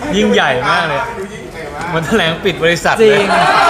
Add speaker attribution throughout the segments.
Speaker 1: ยิ่งใหญ่มากเลยมันแถลงปิดบริษัท
Speaker 2: จริ
Speaker 1: เลย
Speaker 2: ง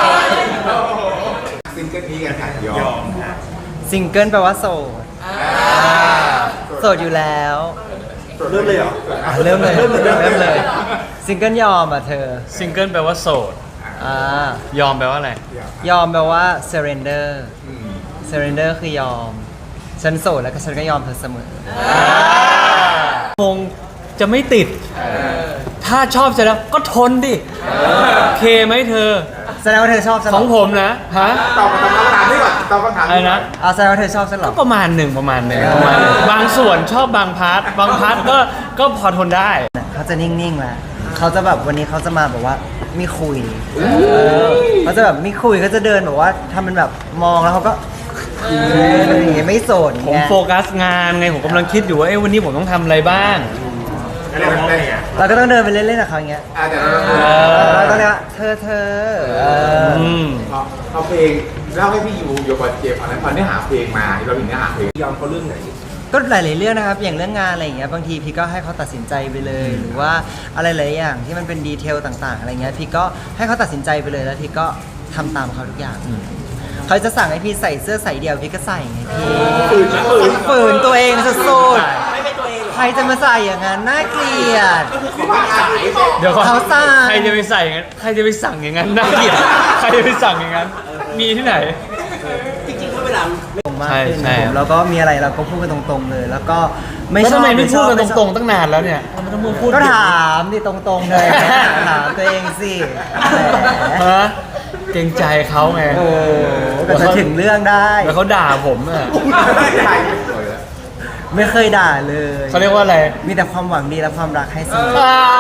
Speaker 3: ซิงเกิลนี้กันค่ะยอม
Speaker 2: ซิงเกิลแปลว่าโสดโสดอยู่แล้ว
Speaker 3: เริ่มเลยเหรอ
Speaker 2: เริ่มเลยซิงเกิลยอมอ่ะเธอ
Speaker 1: ซิงเกิลแปลว่าโสด ยอมแปลว่าอะไร
Speaker 2: ยอมแปลว่า surrender surrender คือยอม ฉันโสดแล้วก็ฉันก็ยอมเธอเสมอ
Speaker 1: คงจะไม่ติด ถ้าชอบเสร็จแล้วก็ทนดิโอเคไหมเธอ
Speaker 2: แสดงว่าเธอชอบฉัน
Speaker 1: ของผมนะฮะ
Speaker 3: ตอบคำถามนี้ก่อนตอบคำถาม
Speaker 1: อะไรนะ
Speaker 2: แสดงว่าเธอชอบฉันเหร
Speaker 1: ก็
Speaker 2: อ
Speaker 1: ประมาณหนึ่งบางส่วนชอบบางพาร์ทก็พอทนได้
Speaker 2: เขาจะนิ่งๆแหละเขาจะแบบวันนี้เขาจะมาแบบว่าไม่คุยเขาจะแบบไม่คุยเขาจะเดินแบบว่าทำเป็นแบบมองแล้วเขาก็อย่างเงี้ยไม่โสด
Speaker 1: ผมโฟกัสงานไงผมกำลังคิดอยู่ว่าวันนี้ผมต้องทำอะไรบ้าง
Speaker 3: แล้วเราเป็นไง
Speaker 2: เราก็ต้องเดินไปเล่นๆกับเขาอย่างเงี้ย
Speaker 3: แต่เรา
Speaker 2: แล้วก็เรียกว่าเธอ
Speaker 3: เอาเพลงเล่าให้พี่ยูโยบอลเจมอันนั้นพอเนื้อหาเพลงมาเราเห็นเนื้อหาเพลงยอมเขาเรื่องไหน
Speaker 2: ก็หลายๆเรื่องนะครับอย่างเรื่องงานอะไรอย่างเงี้ยบางทีพี่ก็ให้เขาตัดสินใจไปเลย หรือว่าอะไรหลายอย่างที่มันเป็นดีเทลต่างๆอะไรเงี้ยพี่ก็ให้เขาตัดสินใจไปเลยแล้วพี่ก็ทำตามเขาทุกอย่างเขาจะสั่งให้พี่ใส่เสื้อใส่เดี่ยวพี่ก็ใส่ไงพี่ฝืนตัวเองสุดๆใครจะมาใส่อย่างนั้นน่าเกลียด
Speaker 1: เดี๋ยวก่อน
Speaker 2: เขาสั่ง
Speaker 1: ใครจะไปใส่อย่างนั้นใครจะไปสั่งอย่างนั้นน่าเกลียดใครจะไปสั่งอย่างนั้นมีที่ไหน
Speaker 2: มาก
Speaker 1: ใช่
Speaker 2: ขึ้น
Speaker 1: ใช่
Speaker 2: ผมแล้วก็มีอะไรเราก็พูดกันตรงๆเลย แล้วก็ไม่
Speaker 1: แล้ว
Speaker 2: ชอ
Speaker 1: ทำ
Speaker 2: บ
Speaker 1: ไมไม่พูดกัน
Speaker 2: ไม่ชอบ
Speaker 1: ตรงๆตั้งนานแล้วเนี่ยทำไมต้องมาพูด
Speaker 2: ก็ถามดิตรงๆเลยถามตัวเองสิแหม
Speaker 1: ฮะเกรงใจเขาไง
Speaker 2: โอ้ก็จะถึงเรื่องได้
Speaker 1: แล้วเขาด่าผมอ่ะ
Speaker 2: ไม่เคยด่าเลย
Speaker 1: เขาเรียกว่าอะไร
Speaker 2: มีแต่ความหวังดีและความรักให้เสมอ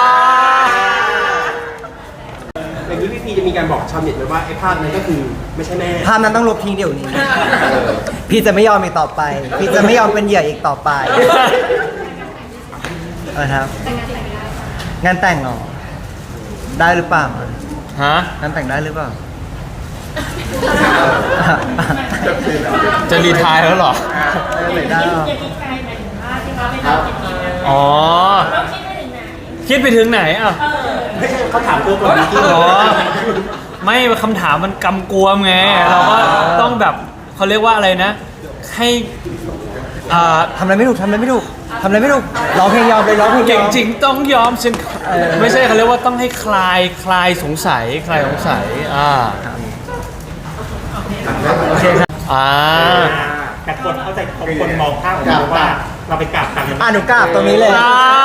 Speaker 4: ในนี้พี่พีจะมีการบอกชาวเน็ตไหมว่าไอ้ภาพนั้นก็คือไม่ใช่แม่
Speaker 2: ภาพนั้นต้องลบทิ้งเดี๋ยวนี้ พี่จะไม่ยอมอีกต่อไป พี่จะไม่ยอมเป็นเหยื่ออีกต่อไปครับ งานแต่งเหรอ ได้หรือเปล่า
Speaker 1: ฮะ
Speaker 2: งานแต่งได้หรือเปล่า
Speaker 1: จะรีไทายแล้วเหรอ
Speaker 2: ไม่ได้หรอ
Speaker 1: อ๋อ คิดไปถึงไหนอ่ะ
Speaker 4: ไม่ใช่เขาถามตัวก่อนที่
Speaker 1: อ๋อ ไม่คำถามมันกำกวมไง เราก็ต้องแบบเขาเรียกว่าอะไรนะ ให้
Speaker 2: ทำอะไรไม่ถูกทำอะไรไม่ถูกทำอะไรไม่ถูกร้องเพลงยอมเลยร้องเพลงย
Speaker 1: เก่
Speaker 2: อง ม
Speaker 1: จริงต้องยอมฉันไม่ใช่เขาเรียกว่าต้องให้คลายสงสัย
Speaker 2: โอเคครับ
Speaker 4: แต่คนเข้าใจคนมองภาพของเราว่าเราไปกราบกัน
Speaker 2: หนูกราบตรงนี้เลย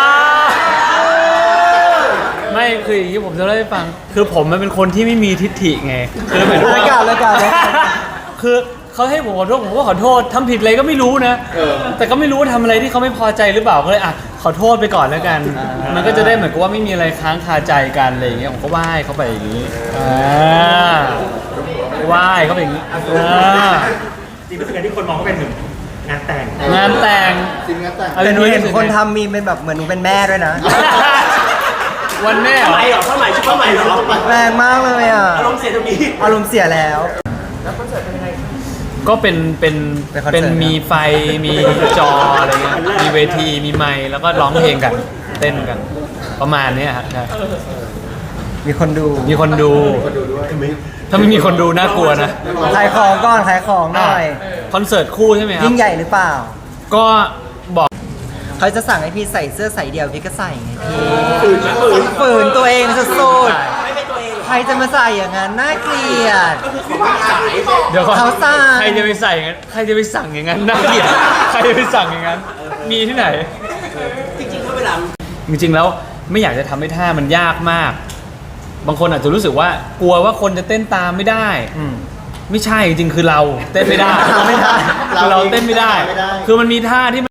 Speaker 1: ไม่คืออย่างนี้ผมจะเล่าให้ฟัง คือผมมันเป็นคนที่ไม่มีทิฐิไงคือเหมือน
Speaker 2: เลยกราบเลยกราบเลย
Speaker 1: คือเขาให้ผมขอโทษผมก็ขอโทษทำผิดอะไรก็ไม่รู้นะแต่ก็ไม่รู้ว่าทำอะไรที่เขาไม่พอใจหรือเปล่าก็เลยอ่ะขอโทษไปก่อนแล้วกัน มันก็จะได้เหมือนกับว่าไม่มีอะไรค้างคาใจกันอะไรอย่างเงี้ยผมก็ไหว้เขาไปอย่างนี้ไหว้เขาไปอย่างนี้
Speaker 4: จริงๆรู้สึกที่คนมองก็เป็นหนึ่งงานแต่ง
Speaker 1: งานแต่ง
Speaker 3: จริงงานแต่ง
Speaker 2: แต่หนูเห็นคนทำมีเป็นแบบเหมือนหนูเป็นแม่ด้วยนะ
Speaker 1: วันแม่
Speaker 4: ผ้าไหมเหรอผ้าไหมชุดผ้าไหมเหรอ
Speaker 2: แรงมากเลยอ่ะ
Speaker 4: อารมณ์เสียตรงนี้
Speaker 2: อารมณ์เสียแล้ว
Speaker 1: ก็เป็น
Speaker 2: เป็นคอนเสิร์ต
Speaker 1: มีไฟมีจออะไรเงี้ยมีเวทีมีไมค์แล้วก็ร้องเพลงกันเต้นกัน ประมาณเนี้ยฮะใช่
Speaker 2: มีคนดู
Speaker 1: มีคนดูถ้าไม่มีคนดูน่ากลัวนะ
Speaker 2: ขายของก่อนขายของหน่อย
Speaker 1: คอนเสิร์ตคู่ใช่ไหมครับ
Speaker 2: ยิ่งใหญ่หรือเปล่า
Speaker 1: ก็บอก
Speaker 2: เขาจะสั่งให้พี่ใส่เสื้อใส่เดี่ยวพี่ก็ใส่ไงพี่ฝืนตัวเองสุดๆใครจะมาใส่อย่างนั้นน่าเกลียด
Speaker 1: เดี๋ยวก่อน
Speaker 2: เขาสั่ง
Speaker 1: ใครจะไปใส่อย่างนั้นใครจะไปสั่งอย่างนั้นน่าเกลียดใครจะไปสั่งอย่างนั้นมีที่ไหน
Speaker 4: จริงๆเขาเวลา
Speaker 1: จริงๆแล้วไม่อยากจะทำให้ท่ามันยากมาก บางคนอาจจะรู้สึกว่ากลัวว่าคนจะเต้นตามไม่ได้ ไม่ใช่จริงๆคือเราเต้นไม่ได้
Speaker 2: ไม่ได้
Speaker 1: คือเราเต้นไม่ได้ คือมันมีท่าที่